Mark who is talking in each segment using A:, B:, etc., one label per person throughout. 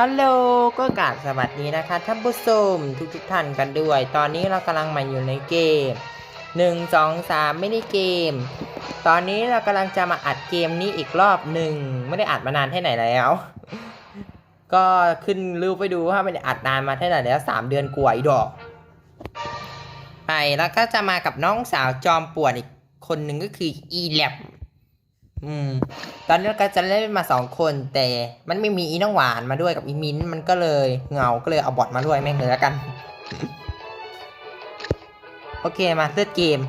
A: ฮัลโหลก็กราบสวัสดีนะคะท่านผู้ชมทุกท่านกันด้วยตอนนี้เรากำลังมาอยู่ในเกม1 2 3ไม่ได้เกมตอนนี้เรากำลังจะมาอัดเกมนี้อีกรอบหนึ่งไม่ได้อัดมานานแค่ไหนแล้วก็ขึ้นรูปไปดูว่าไม่ได้อัดนานมาเท่าไหร่แล้ว3 เดือนกว่าอีดอกไปแล้วก็จะมากับน้องสาวจอมป่วนอีกคนหนึ่งก็คืออีแลบตอนนี้เราก็จะเล่นมา2 คนแต่มันไม่มีอีน้องหวานมาด้วยกับอีมิ้นมันก็เลยเหงาก็เลยเอาบอทมาด้วยแม่งเลยแล้วกัน โอเคมาเลือกเกม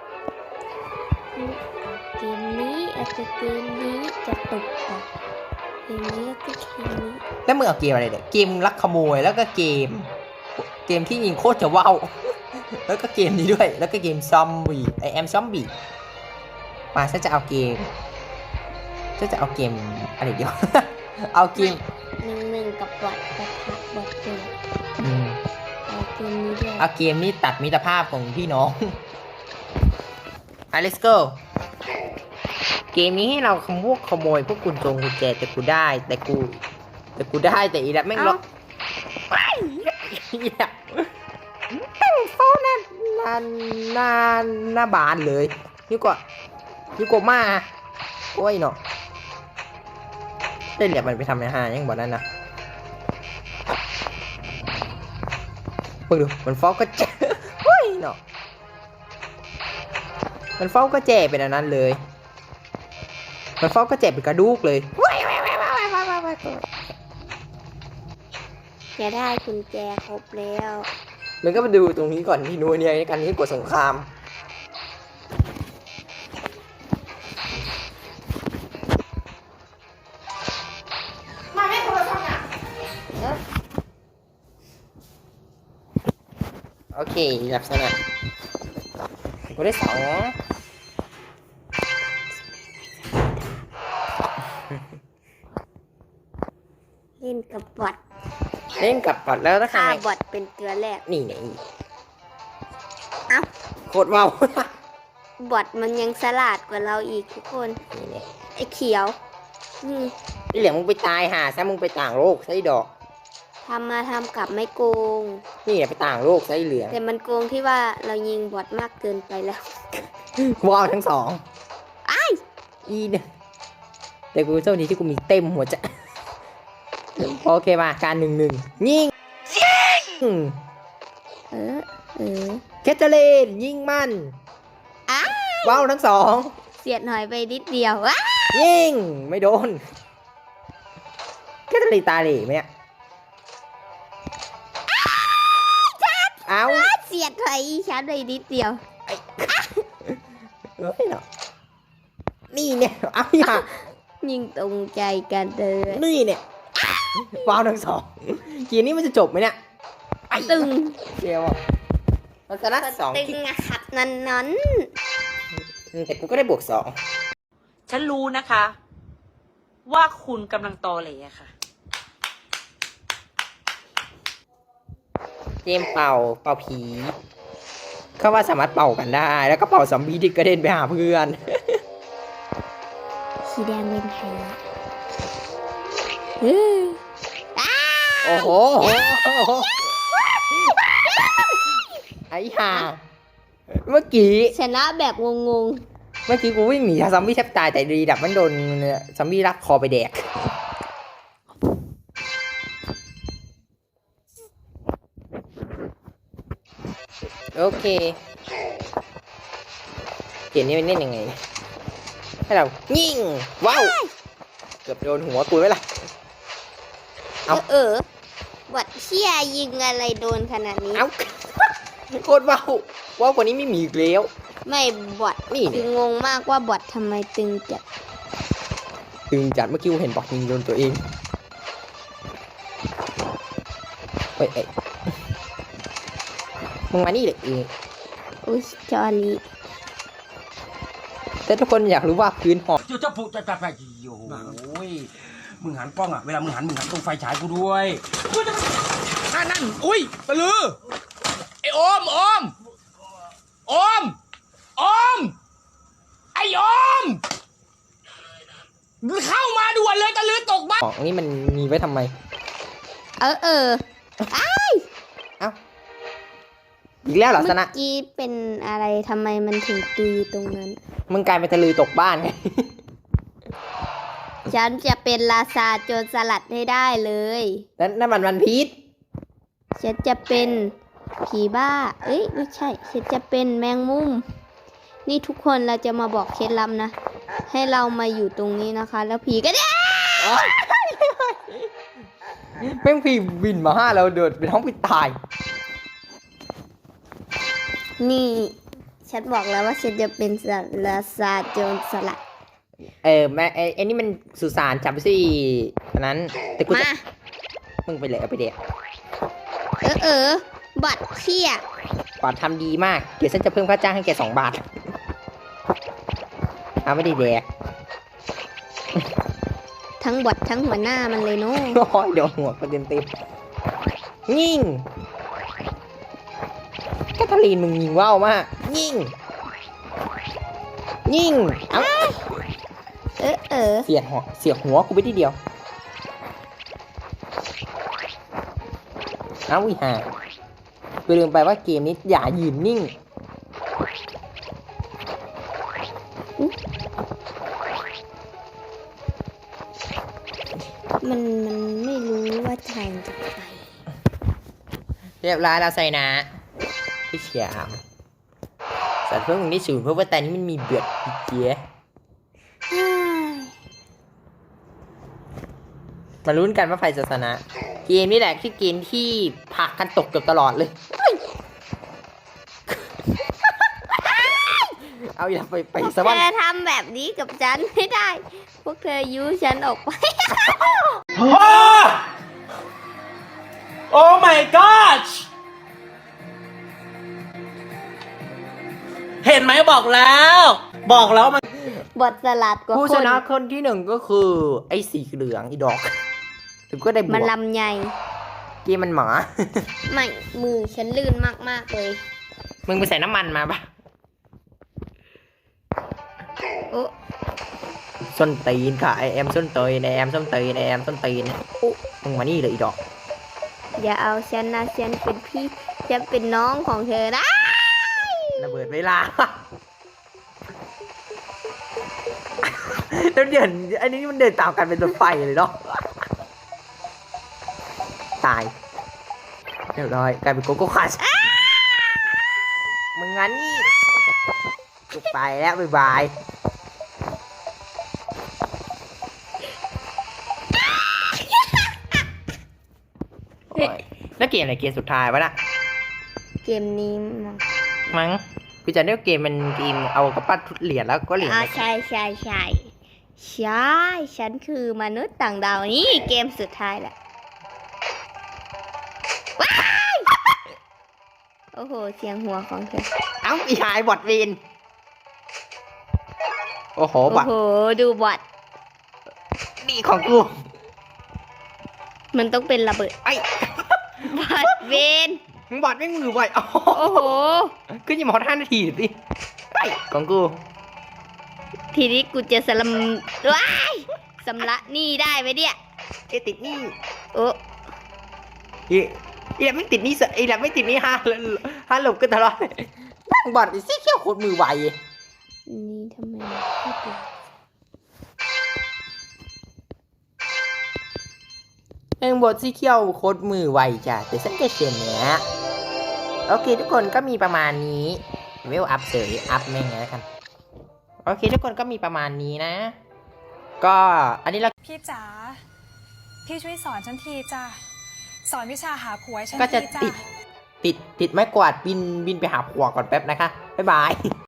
B: นี้อาจจะเกมนี้จะตกต่อเกมนี้ก็เกมนี้
A: แล้วมึงเอาเกมอะไรเนี่ยเกมลักขโมยแล้วก็เกมที่ยิงโคตรจะว้าว แล้วก็เกมนี้ด้วยแล้วก็เกมซอมบี้ไอแอมซอมบี้มาฉันจะเอาเกมอะไรเดียว เอาเกม
B: หนึ่งกับบอทปะทะบอทเกมเอาเกมนี้ด้วย
A: เอาเกมนี้ตัดมิตรภาพของพี่น้องlet's go เกมนี้ให้เราขโมยพวกกุญแจแต่กูได้แต่อีแล้วแม่งล็อกอีแล้วแม่งโฟนหน้าบานเลยนี่ก็มาโอ้ยเนาะเล่นเดี๋ยวมันไปทำในห้างยังบอกนั่นนะเพิ่งดูมันฟ้องก็เจ๊เฮ้ยเนาะมันฟ้องก็เจ๊เป็นอันนั้นเลยมันฟ้องก็เจ็บเป็นกระดูกเลย
B: จะได้กุญแจครบแล้ว
A: มันก็มาดูตรงนี้ก่อนที่นู้นเนี่ยกันที่กดสงครามมาไม่โทรศัพท์อ่ะโอเคลักษณะกูได้2
B: เล่นกับบอท
A: แล้วนะ
B: ฆ่า
A: คะ
B: บอทเป็นตัวแรก
A: นี่ไง
B: เอ้า
A: โคตรว้าว
B: บอทมันยังฉลาดกว่าเราอีกทุกคนไอ้เขียว
A: นี่เหลือมึงไปตายหาซะมึงไปต่างโลกใช่ดอก
B: ทำกลับไม่โกง
A: นี่ไปต่างโลกใช่เหลือง
B: แต่มันโกงที่ว่าเรายิงบอทมากเกินไปแล้ว
A: ว้าวทั้ง2อีเนี่ยแต่กูโชคดีที่กูมีเต็มหัวใจโอเคมาการ1-1ยิงแคทเธอรีนยิงมันว้าวทั้ง2
B: เสียดหน่อยไปนิดเดียว
A: ยิงไม่โดนแคทเธอรีนตาเหล่ไหมเนี่ยเอา
B: เสียดถอยฉันเลยนิดเดียว
A: เฮ้ยเนาะนี่เนี่ยเอาอย่า
B: ยิงตรงใจกันเลย
A: นี่เนี่ยว้าวทั้ง2เกมนี้มันจะจบไหมเนี่ย
B: ตึง
A: เดียวมันจะนัด2
B: ตึงนะครับนั้น
A: แต่กูก็ได้บวก2
C: ฉันรู้นะคะว่าคุณกำลังตอเหล่ค่ะ
A: เกมเป่าผีเขาว่าสามารถเป่ากันได้แล้วก็เป่าซอมบี้ที่กระเด็นไปหาเพื่อน
B: สีแดงเป็นไทย
A: โอ้โหไอ้ห่าเมื่อกี้
B: ชนะแบบงง
A: เมื่อกี้กูวิ่งหนีซอมบี้แทบตายแต่ดีดับมันโดนซอมบี้รักคอไปแดกโอเคเกมนี้มันเล่นยังไงให้เรายิงว้าวเกือบโดนหัวกูไว้ล่ะ
B: บอทเชี่ยยิงอะไรโดนขนาดนี้
A: โคตรว้าวกว่านี้ไม่มีอีกแล้ว
B: ไม่บอท
A: นี่
B: คืองงมากว่าบอททำไมตึงจัด
A: เมื่อกี้กูเห็นบอทยิงโดนตัวเองเฮ้ยมึงมานี่เลย
B: อุ้ยจอนี้
A: แต่ทุกคนอยากรู้ว่าพื้นหอก
D: จะผูกจะไปโอ้ยมึงหันกล้องอ่ะเวลามึงหันตรงไฟฉายกูด้วยนั่นอุ้ยปลือไอ้โอมไอ้โอมเข้ามาด่วนเลยตะลือตกบ้าน
A: ของนี่มันมีไว้ทำไม
B: เอ้ย
A: เอ้าอีกแล้วเหรอ
B: เมื่
A: ส
B: อ
A: นะ
B: กี้เป็นอะไรทำไมมันถึงตุยตรงนั้น
A: มึงกลายเป็นทะลือตกบ้านไง
B: ฉันจะเป็นราชาโจรสลัดให้ได้เลย
A: นั่นมันวันพีช
B: ฉันจะเป็นผีบ้า เอ้ยไม่ใช่ ฉันจะเป็นแมงมุม นี่ทุกคนเราจะมาบอกเคล็ดลับนะ ให้เรามาอยู่ตรงนี้นะคะ แล้วผีก็ได้
A: แม่งพี่บินมาห้าเราเดินเป็นห้องปิดตาย
B: นี่ ฉันบอกแล้วว่าฉันจะเป็นราชาโจรสลัด
A: แม่ไอ้นี่มันสุสานจับไปสิอันนั้นแต่กูจะ
B: มา
A: มึงไปเลยเอาไปเด็ก
B: บัตรเชี่ย
A: กว่าทำดีมาก เดี๋ยวฉันจะเพิ่มค่าจ้างให้แก2 บาท เอาไม่ได้แดก
B: ทั้งบอททั้งหัวหน้ามันเลยเนาะ
A: โอ้ยเดี๋ยวหัวประเด็นเต็มยิงแคทเธอรีนมึงยิงว่าวมากยิงเอ้าเสียหัวกูไปทีเดียวเอ้าวิหาไปลืมไปว่าเกมนี้อย่ายืนนิ่ง
B: มันไม่รู้ว่าทางจะไป
A: เรียบร้อยแล้วใส่นะพี่เชียร์สัตว์เพิ่งได้0เพราะว่าแต่นี้มันมีเบือดเจี๊ยมาลุ้นกันว่าใครจะชนะ เกมนี้แหละคือเกมที่ผลักกันตกเกือบตลอดเลย เอาอย่าไป
B: พวก
A: สวรร
B: เธอ
A: ค์
B: ทำแบบนี้กับฉันไม่ได้ พวกเธอยุฉันออกไป
D: โอ้ my god เห็นไหมบอกแล้วมัน
B: บทสลัดกว่า
A: ผู้
B: ค
A: ช
B: น
A: นะคนที่1ก็คือ ไอ้สีเหลืองอีดอก ถึงก็ได้บว
B: มัน
A: ก
B: ลำใหญ่
A: เกมมันหมา
B: ไม่ มือฉันลื่นมากๆเลย
A: มึงไปใส่น้ำมันมาปะ
B: โอ้
A: ส้นตีนค่ะไอแอมส้นตีนไอแอมส้นตีนไอแอมส้นตีนมึงมานี่เลยอีดอก
B: อย่าเอาฉันนะฉันเป็นพี่ ฉันเป็นน้องของเธอนะ
A: ระเบิดเวลา แล้วเดินอันนี้มันเดินตามกันเป็นรถไฟเลยเนาะ ตายเรียบร้อยกลายเป็นโกโก้คัชมึงงั้นนี่กูไปแล้วบ๊ายบายโอ้ยแล้วเกมอะไรเกมสุดท้ายวะน่ะ
B: เกมนี้มั้ง
A: มั้งกูจะเรียกเกมมันเกมเอากระปั้นทุดเหรียญแล้วก็เหรียญ
B: อ่า
A: ไม่
B: ใช่ฉันคือมนุษย์ต่างดาวนี่เกมสุดท้ายแหละว้ายโอ้โห เสียงหัวของเธอ
A: เอ้าอีหายบอดเวนโอ้โห
B: โอ้
A: บอด
B: โห ดูบอท
A: นี่ของกู
B: มันต้องเป็นระเบิด
A: ไอ้
B: บอทเวน
A: มึงบอดไม่มือไวโอ้โห
B: โอ้โห
A: ขึ้นยังมา5 นาทีสิไอ้ของกู
B: ทีนี้กูจะสลัมว้ายสำละหนี่ได้ไหมเนี่ย
A: ไอ้ติดหนี่
B: โอ้
A: อีแหลมไม่ติดหนี่อีแหลมไม่ติดหนี่ห้าหลบกันตลอดนั่งบอดไอ้ซี่เขี้ยวโคตรมือไว
B: นี่ทำไมไม่เปลี่ยน
A: เองบอดซี่เขี้ยวโคตรมือไวจ้ะแต่ฉันจะเชนเนี้ยโอเคทุกคนก็มีประมาณนี้เวลอัพเสยอัพแม่งไงแล้วกันโอเคทุกคนก็มีประมาณนี้นะ ก็อันนี้เรา
E: พี่จ๋า พี่ช่วยสอนฉันทีจ้ะ สอนวิชาหาผัวให้ฉัน
A: ก็จะ
E: ทีจ้ะ
A: ติดไม้กวาดบินไปหาผัวก่อนแป๊บนะคะ บ๊ายบาย